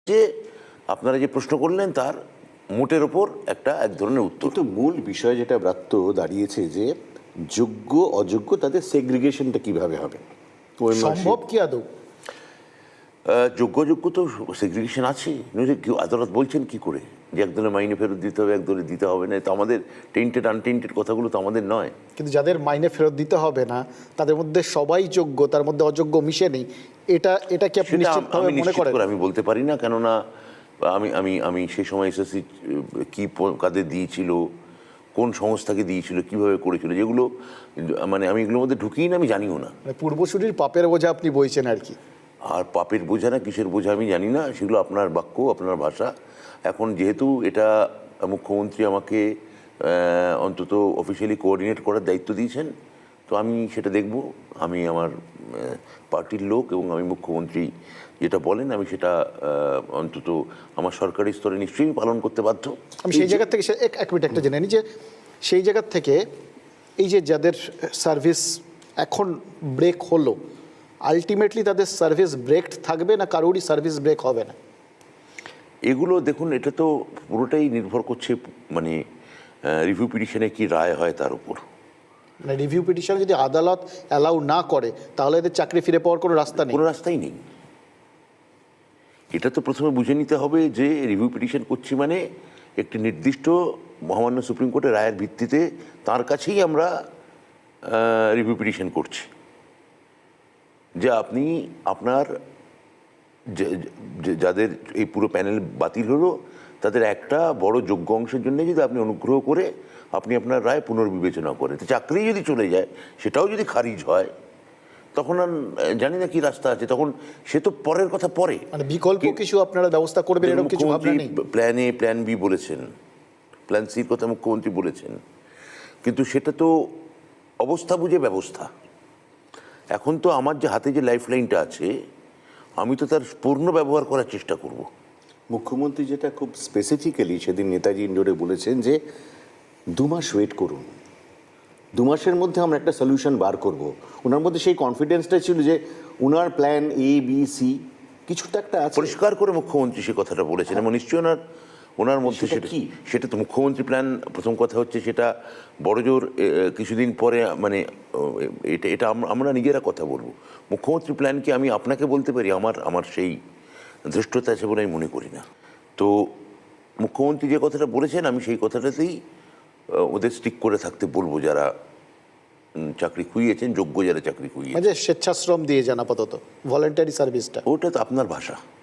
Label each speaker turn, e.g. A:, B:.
A: যে আপনারা যে প্রশ্ন করলেন তার মোটের ওপর এক ধরনের উত্তর।
B: তো মূল বিষয় যেটা ব্রাত্য দাঁড়িয়েছে যে যোগ্য অযোগ্য তাদের সেগ্রিগেশনটা কিভাবে হবে,
C: সম্ভব কি আদৌ?
A: যোগ্য তো সেগ্রিগেশন আছে, আদালত বলছেন কি করে যে একদলের মাইনে ফেরত দিতে হবে একদলে দিতে হবে না? তো আমাদের টেন্টেড আনটেন্টেড কথাগুলো তো আমাদের নয়।
C: কিন্তু যাদের মাইনে ফেরত দিতে হবে না তাদের মধ্যে সবাই যোগ্য, তার মধ্যে অযোগ্য মিশে নেই, এটা কি আপনি নিশ্চিতভাবে মনে করেন?
A: আমি বলতে পারি না, কেননা আমি সেই সময় এসএসসি কি কাদের দিয়েছিল, কোন সংস্থাকে দিয়েছিল, কিভাবে করেছিল, যেগুলো মানে আমি এগুলোর মধ্যে ঢুকিই না, আমি জানিও না।
C: পূর্বসূরির পাপের বোঝা আপনি বইছেন আর কি।
A: আর পাপের বোঝা না কিসের বোঝা আমি জানি না, সেগুলো আপনার বাক্য, আপনার ভাষা। এখন যেহেতু এটা মুখ্যমন্ত্রী আমাকে অন্তত অফিসিয়ালি কোঅর্ডিনেট করার দায়িত্ব দিয়েছেন, তো আমি সেটা দেখব। আমি আমার পার্টির লোক এবং আমি মুখ্যমন্ত্রী যেটা বলেন আমি সেটা অন্তত আমার সরকারি স্তরে নিশ্চয়ই পালন করতে বাধ্য।
C: আমি সেই জায়গা থেকে এক মিনিট একটা জেনে নিই যে সেই জায়গা থেকে এই যে যাদের সার্ভিস এখন ব্রেক হলো, আলটিমেটলি তাদের সার্ভিস ব্রেক থাকবে না কারোরই সার্ভিস ব্রেক হবে না?
A: এগুলো দেখুন, এটা তো পুরোটাই নির্ভর করছে মানে রিভিউ পিটিশনে কি রায় হয় তার উপর।
C: মানে রিভিউ পিটিশন যদি আদালত অ্যালাউ না করে তাহলে এদের চাকরি ফিরে পাওয়ার কোনো রাস্তা নেই?
A: কোনো রাস্তাই নেই। এটা তো প্রথমে বুঝে নিতে হবে যে রিভিউ পিটিশন করছি মানে একটি নির্দিষ্ট মহামান্য সুপ্রিম কোর্টের রায়ের ভিত্তিতে তার কাছেই আমরা রিভিউ পিটিশন করছি। যে আপনি আপনার যাদের এই পুরো প্যানেল বাতিল হলো তাদের একটা বড় যোগ্য অংশের জন্য যদি আপনি অনুগ্রহ করে আপনি আপনার রায় পুনর্বিবেচনা করেন, তো চাকরি যদি চলে যায় সেটাও যদি খারিজ হয় তখন আর জানি না কি রাস্তা আছে, তখন সে তো পরের কথা পরে।
C: মানে বিকল্প কিছু আপনারা ব্যবস্থা করবেন এরকম কিছু ভাবনা নেই?
A: প্ল্যান এ প্ল্যান বি বলেছেন, প্ল্যান সির কথা মুখ্যমন্ত্রী বলেছেন, কিন্তু সেটা তো অবস্থা বুঝে ব্যবস্থা। এখন তো আমার যে হাতে যে লাইফ লাইনটা আছে আমি তো তার পূর্ণ ব্যবহার করার চেষ্টা করব।
B: মুখ্যমন্ত্রী যেটা খুব স্পেসিফিক্যালি সেদিন নেতাজি ইন্ডোরে বলেছেন যে 2 মাস ওয়েট করুন, 2 মাসের মধ্যে আমরা একটা সলিউশন বার করব। ওনার মধ্যে সেই কনফিডেন্সটা ছিল যে ওনার প্ল্যান এ বি সি কিছুটা একটা আছে।
A: পরিষ্কার করে মুখ্যমন্ত্রী সে কথাটা বলেছেন এবং নিশ্চয়ই ওনার মধ্যে সেটা তো মুখ্যমন্ত্রী প্ল্যান। প্রথম কথা হচ্ছে সেটা বড়জোর কিছুদিন পরে মানে এটা আমরা নিজেরা কথা বলবো। মুখ্যমন্ত্রী প্ল্যান কি আমি আপনাকে বলতে পারি? আমার সেই ধৃষ্টতা আছে বলে আমি মনে করি না। তো মুখ্যমন্ত্রী যে কথাটা বলেছেন আমি সেই কথাটাতেই ওদের স্টিক করে থাকতে বলবো, যারা চাকরি খুইয়েছেন, যোগ্য যারা চাকরি খুইয়েছেন।
C: স্বেচ্ছাশ্রম দিয়ে যান আপাতত, ভলেন্টারি সার্ভিসটা।
A: ওটা তো আপনার ভাষা।